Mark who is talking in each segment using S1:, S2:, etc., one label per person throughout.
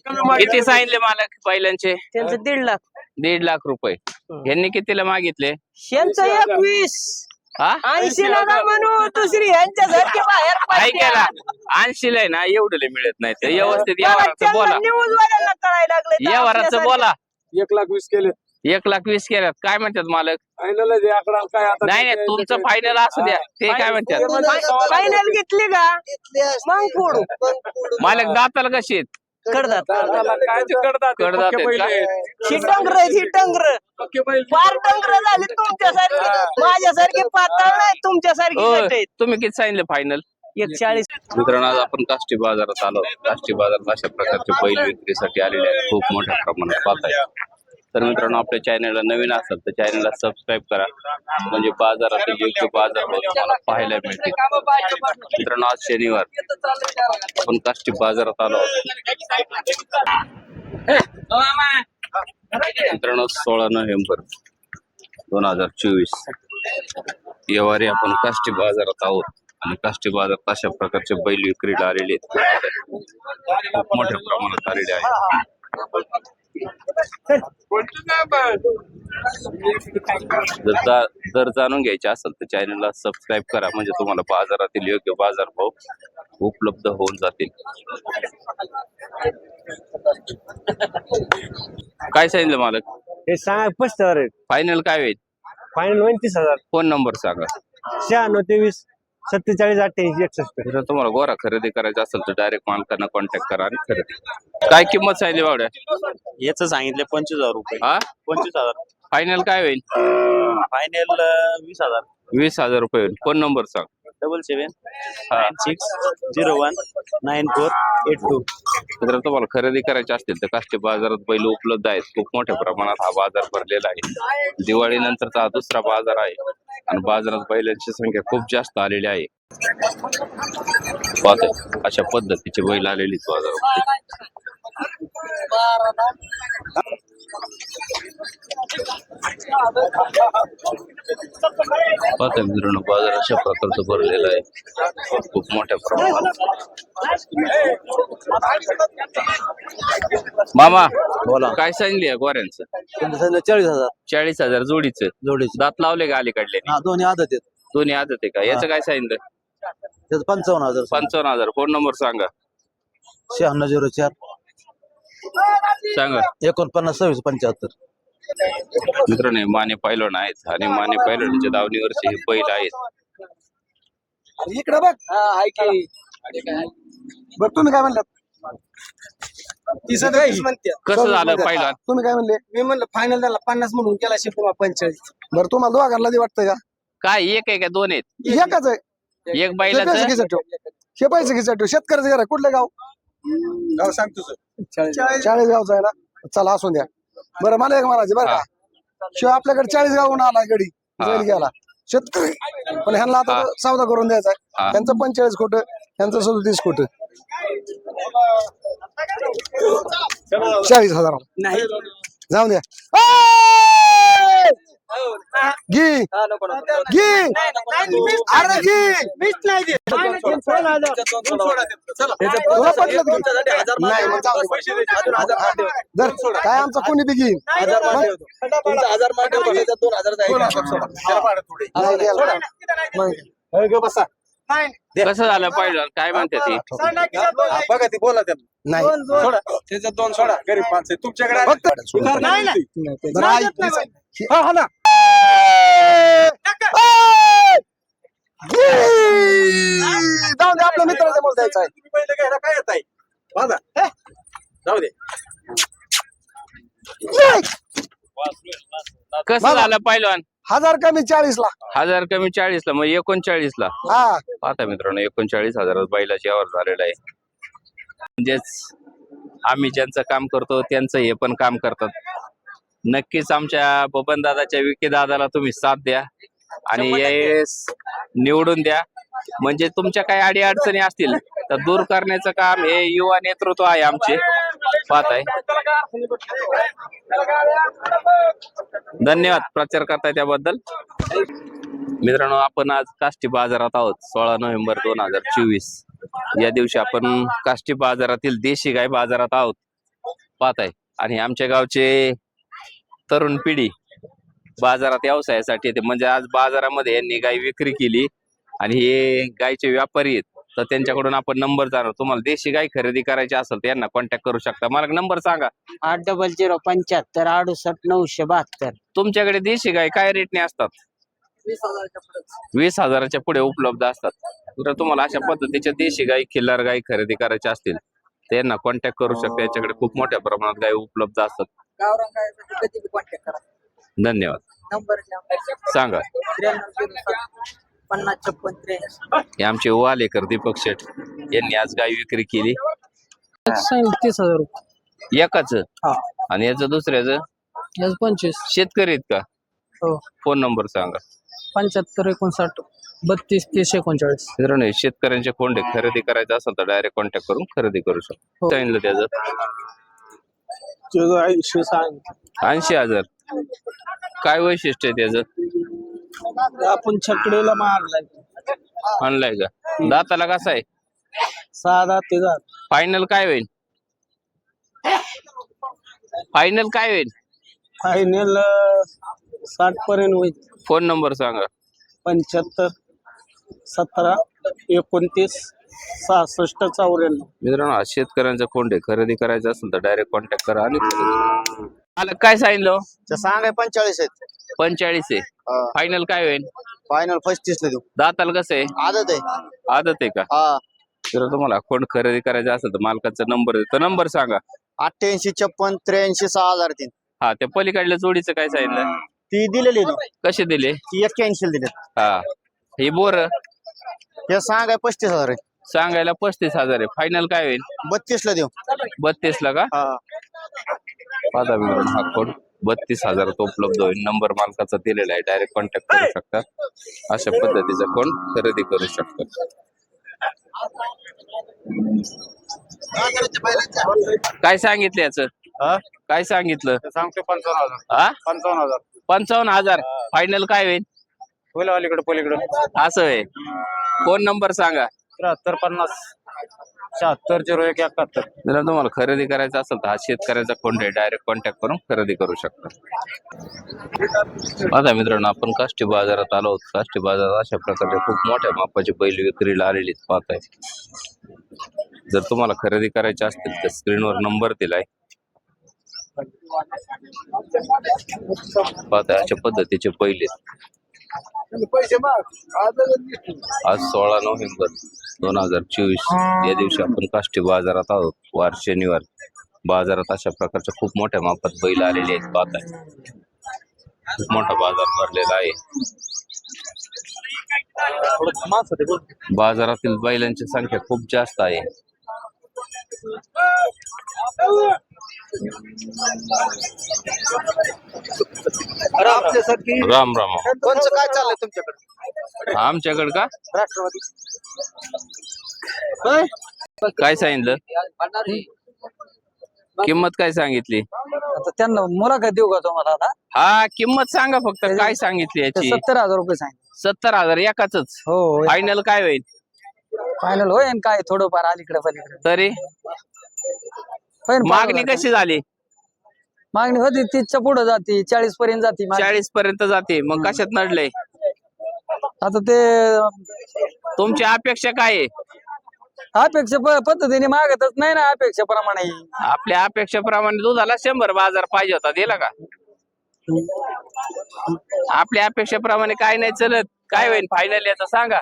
S1: किती सांगितले मालक बैलांचे?
S2: त्यांचं 1.5 लाख.
S1: 1.5 लाख रुपये. यांनी कितीला मागितले?
S2: यांचं 21.
S1: हा
S2: 80 ला ना म्हणू दुसरी यांच्यासारखी बाहेर
S1: ऐकायला 80 आहे ना, एवढे मिळत नाही. ते व्यवस्थित व्यवहाराचं बोला,
S2: न्यूज वाल्यांना कळायला लागले.
S1: व्यवहाराचं बोला.
S3: 1,20,000 केले.
S1: 1,20,000 केल्यात. काय म्हणतात मालक?
S3: फायनल आहे आकडा काय आता?
S1: नाही नाही, तुमचं फायनल असू द्या. ते काय म्हणतात?
S2: फायनल घेतली का मग फोडू.
S1: मालक दाताला कशी आहेत?
S2: कडदात
S3: काय ते कडदात आहे,
S1: कडदात
S3: पक्के
S1: आहेत
S3: बैल
S1: का?
S3: आहे.
S2: ही डंगर ही डंगर
S3: पक्के बैल.
S2: फार डंगर झाली तुमच्यासारखी. माझ्यासारखी पातळ नाही, तुमच्यासारखी
S1: होय.
S2: घट आहेत.
S1: तुम्ही किती सांगितले फायनल?
S2: 140.
S1: मित्रांनो, आज आपण काष्टी बाजारात आलो. काष्टी बाजारात अशा प्रकारचे बैल विक्रीसाठी आलेले आहेत, खूप मोठ्या प्रमाणात पाहताय. तर मित्रांनो, आपल्या चॅनलला नवीन असाल तर चॅनलला सबस्क्राईब करा, म्हणजे बाजारातील योग्य बाजारभाव तुम्हाला पाहायला मिळतील. मित्रांनो, आज शनिवार आपण काष्टी बाजारात आलो. मित्रांनो, 16 नोव्हेंबर 2024 येवारी आपण काष्टी बाजारात आहोत. आणि काष्टी बाजारात अशा प्रकारचे बैल विक्रीला आलेले आहेत, खूप मोठ्या प्रमाणात आलेले आहेत. जर जाणून घ्यायचे असेल तर चॅनलला सबस्क्राईब करा, म्हणजे तुम्हाला बाजारातील योग्य बाजारभाव उपलब्ध होऊन जातील. काय सांगितलं मालक?
S4: हे सांगा 25,000.
S1: फायनल काय होईल?
S4: फायनल 29,000.
S1: फोन नंबर सांगा.
S4: 96 23 47 88 61.
S1: जर तुम्हाला गोरा खरेदी करायचा असेल तर डायरेक्ट मालकांना कॉन्टॅक्ट करा आणि खरेदी. काय किंमत सांगितली बावड्या?
S4: याच सांगितले 25,000 रुपये.
S1: हा
S4: 25,000.
S1: फायनल काय होईल?
S4: फायनल 20,000.
S1: 20,000 रुपये होईल. फोन नंबर सांग.
S4: 77 96 01 9482.
S1: जर तुम्हाला खरेदी करायचे असतील तर काष्टी बाजारात बैल उपलब्ध आहेत. खूप मोठ्या प्रमाणात हा बाजार भरलेला आहे. दिवाळी नंतरचा हा दुसरा बाजार आहे आणि बाजारात बैलांची संख्या खूप जास्त आलेली आहे. पाहतोय अशा पद्धतीचे बैल आलेली बाजारामध्ये. पाहतोय मित्रांनो, बाजार अशा प्रकारचं भरलेला आहे, खूप मोठ्या प्रमाणात. मामा
S4: बोला.
S1: काय सांगली आहे गोऱ्यांचं?
S4: 40,000
S1: 40,000 जोडीचं.
S4: जोडीचे.
S1: दात लावले का अलीकडले?
S4: हा दोन्ही आदत आहेत.
S1: दोन्ही आदत आहे का? याचं काय सांगितलं?
S4: त्याचं 55,000.
S1: 55,000. फोन नंबर सांगा.
S4: 9604
S1: सांगा.
S4: 49 26 75.
S1: मित्रांनो, माने पैलवान आहेत आणि माने पैलवानच्या दावणीवरचे हे बैल आहेत.
S3: इकडे बघ. बघ तुम्ही काय म्हणलात?
S1: कसं झालं पैलवान?
S3: तुम्ही काय म्हणले? मी म्हणलं फायनल झाला 50 म्हणून केला शिकवा 45. बरं तुम्हाला दोघांना दे वाटतं का?
S1: काय एक आहे का दोन आहेत?
S3: एकच आहे.
S1: एक बैलाचं
S3: हे पैसे घ्यायचं शेतकऱ्याचं घर आहे. कुठलं गाव? गाव सांग तुझं. 40 गावचं आहे ना. चला असून द्या. बरं मला एक म्हणायचं बरं का, शिवाय आपल्याकडे 40 गावून आला गडी बैल गेला शेतकरी, पण ह्यांना आता सौदा करून द्यायचा आहे. त्यांचं 45 खोट, त्यांचं 37 खोट. 40,000 नाही जाऊ द्या. घे घे अरे घे. तुला पटलं की? नाही मग जाऊ दे. जर काय आमचा कोणी बी घेईन. बसा.
S1: कसं झालं पैलवान? काय म्हणते ती?
S3: बघा ती बोला त्यांना. नाही सोडा त्याच्यात 2 सोडा. गरीब माणसं तुमच्याकडे जाऊ दे. आपल्या मित्राला बोल द्यायचं आहे. तुम्ही पहिले घ्यायला काय येत आहे माझा? जाऊ दे.
S1: कसं झालं पैलवान?
S3: 1000 कमी 40 ला.
S1: 1000 कमी 40 ला, मग 39 ला.
S3: हा
S1: पाहता मित्रांनो, 39,000 बैलाची यावर झालेला आहे. म्हणजेच आम्ही ज्यांचं काम करतो त्यांचं हे पण काम करतात. नक्कीच आमच्या बबन दादाच्या विके दादाला तुम्ही साथ द्या आणि यावेळेस निवडून द्या, म्हणजे तुमच्या काही अडी अडचणी असतील तर दूर करण्याचं काम हे युवा नेतृत्व आहे आमचे. पाहताय. धन्यवाद प्रचार करताय त्याबद्दल. मित्रांनो, आपण आज काष्टी बाजारात आहोत. 16 नोव्हेंबर 2024 या दिवशी आपण काष्टी बाजारातील देशी गाय बाजारात आहोत पाहताय. आणि आमच्या गावचे तरुण पिढी बाजारात व्यवसायासाठी येते. म्हणजे आज बाजारामध्ये यांनी गाय विक्री केली आणि हे गायचे व्यापारी आहेत, तर त्यांच्याकडून आपण नंबर जाणू. तुम्हाला देशी गाय खरेदी करायची असेल तर यांना कॉन्टॅक्ट करू शकता. मला नंबर सांगा.
S2: 80075 68 972.
S1: तुमच्याकडे देशी गाय काय रेटने असतात? 20,000च्या पुढे उपलब्ध असतात. जर तुम्हाला अशा पद्धतीच्या देशी गाय, खिल्लार गाय खरेदी करायच्या असतील तर यांना कॉन्टॅक्ट करू शकता. याच्याकडे खूप मोठ्या प्रमाणात गाय उपलब्ध असतात.
S2: गावरान गायसाठी कधी कॉन्टॅक्ट करा.
S1: धन्यवाद.
S2: नंबर
S1: सांगा.
S2: 53
S1: हे आमचे वालेकर दीपक शेठ यांनी आज गाय विक्री केली.
S2: 30,000 रुपये.
S1: एकाच आणि याचं दुसऱ्याचं
S2: 25.
S1: शेतकरी आहेत का?
S2: हो.
S1: फोन नंबर सांगा.
S2: 75 59 32 30 39.
S1: मित्रांनो, शेतकऱ्यांचे कोंडे खरेदी करायचं असेल तर डायरेक्ट कॉन्टॅक्ट करून खरेदी करू शकतो. सांगितलं त्याचं 80,000. काय वैशिष्ट्य आहे त्याचं?
S2: आपण छकडीला मारलाय.
S1: आणलाय का? दाताला कसा आहे?
S2: 6 ते 10.
S1: फायनल काय होईल? फायनल काय होईल?
S2: फायनल 60 पर्यंत होईल.
S1: फोन नंबर सांगा.
S2: 75 17 29 66 94.
S1: मित्रांनो, आज शेतकऱ्यांचा कोंडे खरेदी करायचं असेल तर डायरेक्ट कॉन्टॅक्ट करा. आणि मला काय सांगितलं?
S2: सांगाय 45 आहेत.
S1: 45 आहे. फायनल काय होईल?
S2: फायनल 35 ला देऊ.
S1: दाताला कसं आहे?
S2: आदत आहे.
S1: आदत आहे का?
S2: हा.
S1: जर तुम्हाला कोण खरेदी करायचं असेल तर मालकाचा नंबर देतो. नंबर सांगा.
S2: 88 56 83 6003.
S1: हा, त्या पलीकडल्या जोडीचं काय सांगितलं?
S2: ती दिलेली
S1: कसे दिले?
S2: ती 81 दिले.
S1: हा, ही बोर
S2: हे सांगाय 35,000 आहे.
S1: सांगायला 35,000 आहे. फायनल काय होईल?
S2: 32 ला देऊ.
S1: 32 ला का? पाहता मित्रांनो, हा कोड 32,000 उपलब्ध होईल. नंबर मालकाचा दिलेला आहे. डायरेक्ट कॉन्टॅक्ट करू शकता. अशा पद्धतीचा कोण खरेदी करू शकता. काय सांगितलं याचं? काय सांगितलं?
S4: सांगतो 55,000.
S1: हा,
S4: 55,000.
S1: 55,000. फायनल काय होईल?
S4: होईल अलीकडे पलीकडे.
S1: असं आहे. फोन नंबर सांगा.
S4: 73 50 76 01 71.
S1: जर तुम्हाला खरेदी करायचं असेल तर हा शेतकऱ्याचा फोन आहे. डायरेक्ट कॉन्टॅक्ट करून खरेदी करू शकता. आता मित्रांनो, आपण काष्टी बाजारात आलो आहोत. काष्टी बाजारात अशा प्रकारचे खूप मोठ्या मापाचे बैल विक्रीला आलेले पाहताय. जर तुम्हाला खरेदी करायचे असतील तर स्क्रीनवर नंबर दिलाय. पाहताय अशा पद्धतीचे बैल आहेत. आज 16 नोव्हेंबर 2024 या दिवशी आपण काष्टी बाजारात आहोत. वार शनिवार. बाजारात अशा प्रकारच्या खूप मोठ्या मापात बैल आलेले आहेत. पाहताय खूप मोठा बाजार भरलेला आहे. बाजारातील बैलांची संख्या खूप जास्त आहे. राम राम.
S2: कोणचं काय चाललंय तुमच्याकडे?
S1: आमच्याकडे का?
S2: राष्ट्रवादी.
S1: काय सांगितलं? किंमत काय सांगितली?
S2: आता त्यांना मुलाखत देऊ का तुम्हाला आता?
S1: हा, किंमत सांगा फक्त. काय सांगितली याची?
S2: 70,000 रुपये सांगितले.
S1: 70,000 एकाच.
S2: हो.
S1: फायनल काय होईल?
S2: फायनल होईल काय थोडंफार अलीकडे पलीकडे.
S1: तरी मागणी कशी झाली?
S2: मागणी होती 30च्या पुढे जाते, 40 पर्यंत जाते.
S1: 40 पर्यंत जाते. मग कशात नडलंय?
S2: आता ते
S1: तुमची अपेक्षा काय आहे?
S2: अपेक्षा पद्धतीने मागतच नाही ना. अपेक्षेप्रमाणे
S1: आपल्या अपेक्षेप्रमाणे दुधाला 100 बाजार पाहिजे होता. दिला का? आपल्या अपेक्षेप्रमाणे काय नाही चलत. काय होईल फायनल याचा सांगा.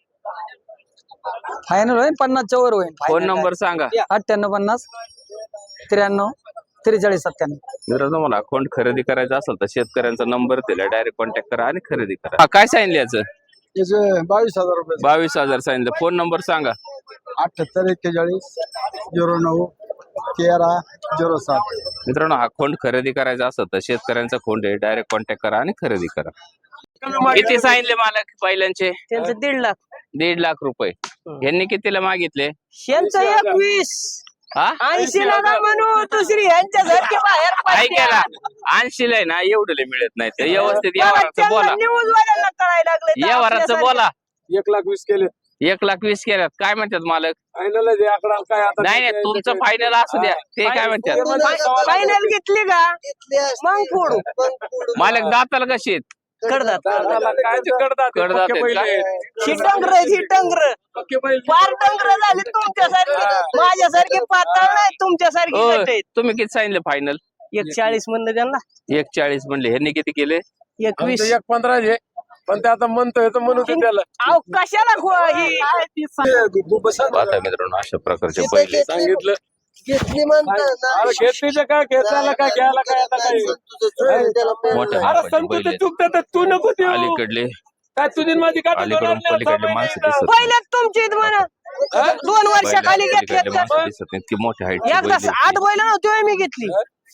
S2: फायनल होईल 50च्या वर होईल.
S1: फोन नंबर सांगा.
S2: 98 50 93 43 97.
S1: जर तुम्हाला अकाउंट खरेदी करायचा असेल तर शेतकऱ्यांचा नंबर दिला. डायरेक्ट कॉन्टॅक्ट करा आणि खरेदी करा. हा, काय सांगितलं याचं?
S3: 22,000 रुपये.
S1: 22,000 सांगितलं. फोन नंबर सांगा.
S3: 78 41 09 13 07.
S1: मित्रांनो, हा खोंड खरेदी करायचा असेल तर शेतकऱ्यांचा खोंड आहे. डायरेक्ट कॉन्टॅक्ट करा आणि खरेदी करा. किती सांगितले मालक बैलांचे?
S2: त्यांचं 1.5 लाख.
S1: 1.5 लाख रुपये. यांनी कितीला मागितले?
S2: यांचं 21.
S1: हा,
S2: 80 ला ना म्हणू दुसरी यांच्यासारखी बाहेर
S1: ऐकायला 80 ला आहे ना, एवढे मिळत नाही. ते व्यवस्थित व्यवहाराचं बोला.
S2: न्यूज वाल्यांना कळायला लागले.
S1: व्यवहाराचं बोला.
S3: 1,20,000 केले.
S1: 1,20,000 केल्यात. काय म्हणतात मालक?
S5: फायनल आकडा काय आता
S1: नाही नाही, तुमचं फायनल असू द्या. ते काय म्हणतात?
S2: फायनल घेतली का मग फोडू
S1: मालक दाताला कशी आहेत?
S2: कडदात
S5: काय ते करतात ते
S1: कडदात
S5: पक्के
S1: आहेत का?
S5: बैल आहेत.
S2: ही डंगर ही डंगर
S5: पक्के बैल
S2: फार डंगर झाली तुमच्यासारखी माझ्यासारखी पातळ नाही तुमच्यासारखी
S1: ओ,
S2: गट आहेत.
S1: तुम्ही किती सांगितलं फायनल?
S2: 140 म्हणलं त्यांना
S1: 1,40 म्हणले. ह्यांनी किती केले?
S2: 21.
S5: आमचं 1.15 आहे पण ते आता म्हणतोय तर म्हणू दे त्याला
S2: अहो कशाला ही
S1: आता मित्रांनो अशा प्रकारचे बैल आहेत.
S5: सांगितलं
S3: घेतली म्हणतात
S5: अरे घेतली तर काय घेतल्याला काय घ्यायला काय आता काय
S1: मोठ्या
S5: अरे
S1: मापाचे
S5: सांगतो
S1: बैल
S5: ते
S1: आहेत.
S5: चुकतं तर तू नको देऊ
S1: अलीकडले
S5: काय तुझी माझी काठी
S1: अलीकडून
S5: दोन आणल्या,
S1: पलीकडले
S5: सहा
S1: माणसं
S5: महिने
S1: दिसत
S2: पहिले तुमची म्हणा 2 वर्षाखाली
S1: पलीकडले
S2: घेतल्यात का
S1: माणसं दिसत नाहीत की मोठ्या हाईटचे
S2: एकदा
S1: बैल
S2: 8 बैल नव्हती मी घेतली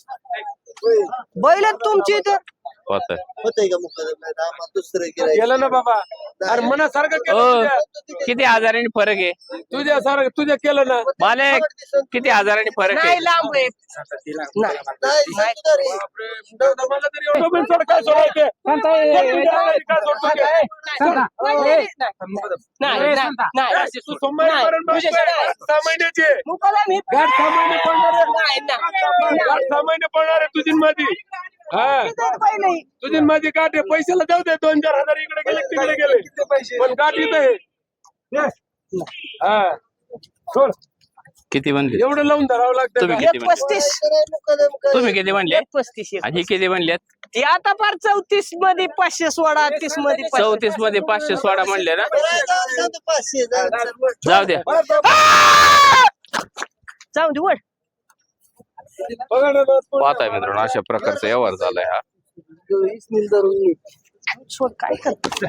S2: बैल तुमची इथं
S1: होत.
S3: होतंय का मुकादम नाही तर आम्हाला दुसरं गिऱ्हाईक.
S5: गेलं ना बाबा अरे मनासारखं
S1: ओ,
S5: केलं तुझ्या.
S1: किती हजारांनी फरक आहे
S5: तुझ्यासारखं तुझ्या केलं ना
S1: मालक? किती हजारांनी फरक आहे?
S2: नाही लांब आहे नाही
S3: नाही, सांगतो रे.
S5: मला तरी एवढं पण सोड काय सोडायचे काय सोडतो ते?
S2: नाही
S5: तू सोमवारीपर्यंत बसतोय. 6 महिन्याची आहे.
S2: मुकादम ही
S5: गाठ 6 महिने पडणार आहे.
S2: नाही नाही
S5: गाठ 6 महिने पडणार आहे तुझी आणि माझी हा
S2: पहिले
S5: तुझी आणि माझी गाठ आहे पैशाला जाऊ दे 2-4 हजार इकडे गेले तिकडे गेले पण गाठ इथं आहे हा सोड
S1: किती म्हणले?
S5: एवढं लावून धरावं लागतं
S1: तुम्ही
S5: का?
S1: किती म्हणले?
S2: 35
S3: मुकादम काय?
S1: तुम्ही किती म्हणले?
S2: 35
S1: आणि हे किती म्हणलेत?
S2: ती आता फार 34 मध्ये 500 सोडा 30 मध्ये 500.
S1: 34 मध्ये 500 सोडा म्हणले ना?
S3: बरं, जाऊ दे, आता 500 जाऊ.
S1: जाऊ द्या.
S2: जाऊ दे वळ
S5: बघा ना बस.
S1: पाहताय मित्रांनो अशा प्रकारचा व्यवहार झालाय हा.
S3: इसनील धरून ये.
S2: सोड काय कर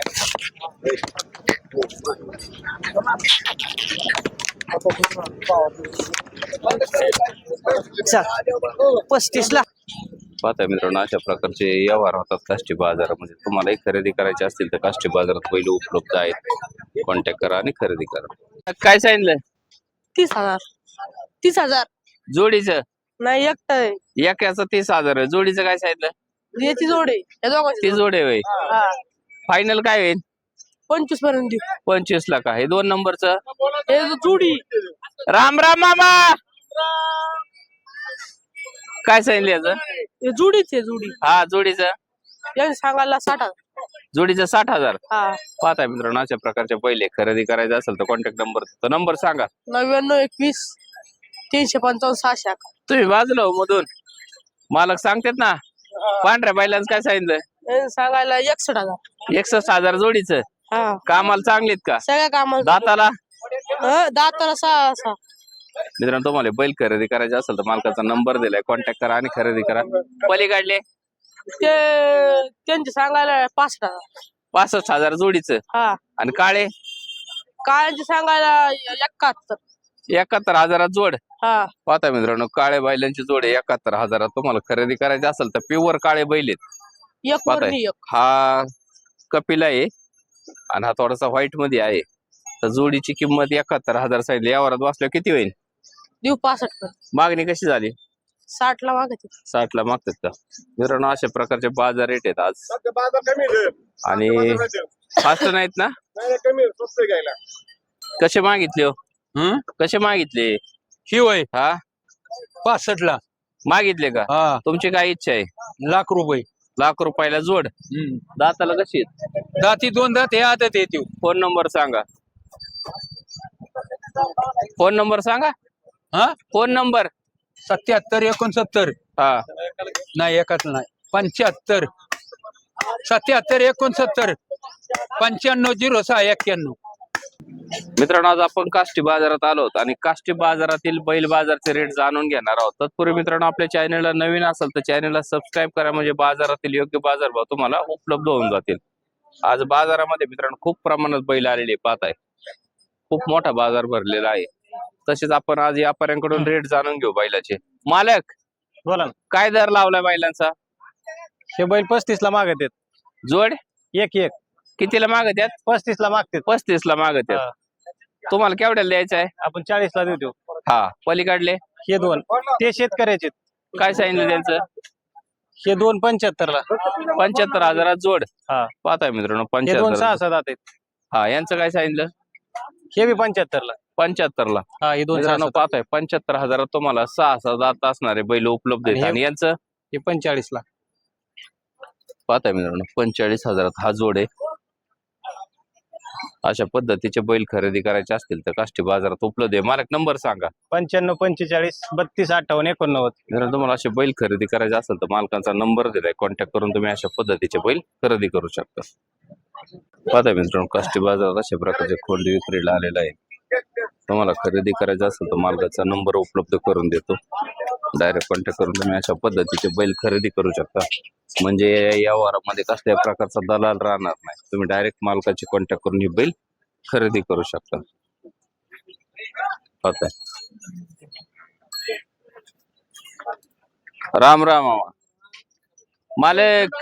S2: चल 35 ला
S1: पाहताय मित्रांनो अशा प्रकारचे व्यवहार होतात काष्टी बाजारामध्ये. तुम्हालाही खरेदी करायचे असतील तर काष्टी बाजारात बैल उपलब्ध आहेत. कॉन्टॅक्ट करा आणि खरेदी करा. काय सांगितलं?
S2: 30,000 30,000
S1: जोडीचं?
S2: नाही एकटं आहे.
S1: एकाचं 30,000 आहे. जोडीचं काय सांगितलं?
S2: याची जोड आहे या दोघांची
S1: ती जोड आहे होय.
S2: हा
S1: फायनल काय होईल?
S2: 25 पर्यंत
S1: 25 ला का? हे 2 नंबरचं?
S2: हे जोडी
S1: राम राम मामा. काय सांगितलं याचं?
S2: हे जोडीच आहे जोडी
S1: हा जोडीचं?
S2: यांनी सांगायला 60,000
S1: जोडीचं 60,000.
S2: हा
S1: पाहताय मित्रांनो अशा प्रकारचे पहिले खरेदी करायचं असेल तर कॉन्टॅक्ट नंबर, तो नंबर सांगा.
S2: 99 21 355 600.
S1: तुम्ही बाजूला हो मधून. मालक सांगतात ना. पांढऱ्या बैलांचं काय सांगितलं?
S2: यांनी सांगायला 61,000.
S1: 61,000 जोडीचं.
S2: हा
S1: कामाला चांगलीत का?
S2: सगळ्या कामाला
S1: दाताला?
S2: दाताला 6
S1: मित्रांनो तुम्हाला बैल खरेदी करायचे असेल तर मालकाचा नंबर दिलाय, कॉन्टॅक्ट करा आणि खरेदी करा. पलीकडले
S2: ते त्यांचे सांगायला 65,000.
S1: 65,000 जोडीचं.
S2: हा
S1: आणि काळे
S2: काळ्यांचे सांगायला 71.
S1: 71,000 जोड.
S2: हा
S1: पाहता मित्रांनो काळे बैलांची जोड 71,000 तुम्हाला खरेदी करायची असेल तर प्युअर काळे बैल आहेत.
S2: एक
S1: पाहताय
S2: वरणी एक
S1: हा कपिला आहे आणि हा थोडासा व्हाईट मध्ये आहे. तर जोडीची किंमत 71,000 सांगितली. यावरात बसल्यावर किती होईल?
S2: देऊ 65.
S1: मागणी कशी झाली?
S2: 60 ला मागते.
S1: 60 ला मागतात का? मित्रांनो अशा प्रकारचे बाजार रेट आहेत आज.
S5: बाजार कमी आहे.
S1: आणि फास्ट नाहीत ना?
S5: नाही, कमी आहे. स्वस्त आहे घ्यायला
S1: कसे मागितले हो? कसे मागितले?
S6: ही वय
S1: हा
S6: 65 ला
S1: मागितले का?
S6: हा
S1: तुमची काय इच्छा आहे?
S6: ₹1,00,000
S1: ₹1,00,000 जोड. दाताला कशी आहेत?
S6: दाती 2 दात हे आदत येते.
S1: फोन नंबर सांगा. फोन नंबर सांगा.
S6: हा
S1: फोन नंबर
S6: 77 69
S1: हा
S6: नाही एकच नाही 75 77 69 95 06 91.
S1: मित्रांनो आज आपण काष्टी बाजारात आलो आहोत आणि काष्टी बाजारातील बैल बाजारचे रेट जाणून घेणार आहोत. तत्पूर्वी मित्रांनो आपल्या चॅनलला नवीन असेल तर चॅनलला सबस्क्राईब करा म्हणजे बाजारातील योग्य बाजारभाव तुम्हाला उपलब्ध होऊन जातील. आज बाजारामध्ये मित्रांनो खूप प्रमाणात बैल आलेले पाहताय. खूप मोठा बाजार भरलेला आहे. तसेच आपण आज व्यापाऱ्यांकडून रेट जाणून घेऊ बैलाचे. मालक
S4: बोला ना.
S1: काय दर लावलाय बैलांचा?
S4: हे बैल 35 ला मागत आहेत.
S1: जोड
S4: एक एक
S1: कितीला मागत आहेत?
S4: 35 ला मागतात.
S1: 35 ला मागत आहेत. तुम्हाला केवढ्याला द्यायचं आहे?
S4: आपण 40 ला देतो.
S1: हा पलीकडले
S4: हे 2 ते शेतकऱ्याचे.
S1: काय सांगितलं त्यांचं?
S4: हे 2 75 ला.
S1: 75,000 जोड.
S4: हा
S1: पाहताय मित्रांनो
S4: हे 2
S1: 75,000.
S4: 6 दात आहेत.
S1: हा यांचं काय सांगितलं?
S4: हे बी 75 ला
S1: 75 ला
S4: हा हे 2
S1: मित्रांनो पाहताय 75,000 तुम्हाला 6 दात असणारे बैल उपलब्ध आहेत. आणि यांचं
S4: हे 45 ला
S1: पाहताय मित्रांनो 45,000 हा जोड आहे. अशा पद्धतीचे बैल खरेदी करायचे असतील तर काष्टी बाजारात उपलब्ध आहे. मालक नंबर सांगा.
S4: 95 45 32 58 89.
S1: जर तुम्हाला असे बैल खरेदी करायचे असेल तर मालकांचा नंबर दिलाय, कॉन्टॅक्ट करून तुम्ही अशा पद्धतीचे बैल खरेदी करू शकता. पाहताय मित्रांनो काष्टी बाजारात अशा प्रकारचे खोंडी विक्रीला आलेला आहे. तुम्हाला खरेदी करायचं असेल तर मालकाचा नंबर उपलब्ध करून देतो. डायरेक्ट कॉन्टॅक्ट करून तुम्ही अशा पद्धतीचे बैल खरेदी करू शकता. म्हणजे या वारामध्ये कसल्या प्रकारचा दलाल राहणार नाही. तुम्ही डायरेक्ट मालकाची कॉन्टॅक्ट करून ही बैल खरेदी करू शकता. पाहताय राम राम मामा. मालक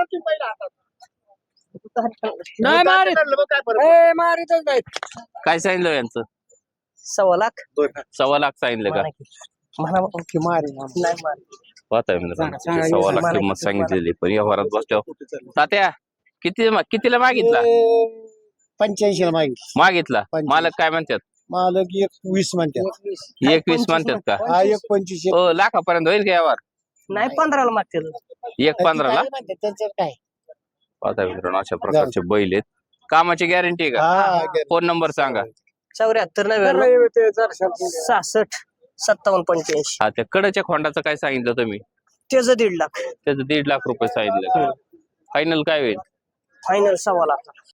S2: नाही मारितच नाही.
S1: काय सांगितलं यांचं?
S2: 1.25 लाख
S1: 1.25 लाख सांगितलं का?
S2: मला मारी नाही मारी.
S1: पाहताय मित्रांनो 1.25 लाख किंमत सांगितलेली, पण या वरात बसल्यावर तात्या कितीला मागितला?
S3: 85 ला
S1: मागितला. मालक काय म्हणतात?
S3: मालक 20 म्हणतात.
S1: 21 म्हणतात का?
S3: हा 25
S1: हो लाखापर्यंत होईल का यावर?
S2: नाही 15 ला मागतील.
S1: 1.15 ला.
S3: त्यांचं काय
S1: पाहताय मित्रांनो अशा प्रकारचे बैल आहेत. कामाची गॅरंटी का? फोन नंबर सांगा.
S2: 74 99 66 57 85.
S1: हा त्या कडच्या खोंडाचं काय सांगितलं तुम्ही?
S2: त्याचं 1.5 लाख.
S1: त्याचं 1.5 लाख रुपये सांगितलं. फायनल काय होईल?
S2: फायनल 1.25 लाख.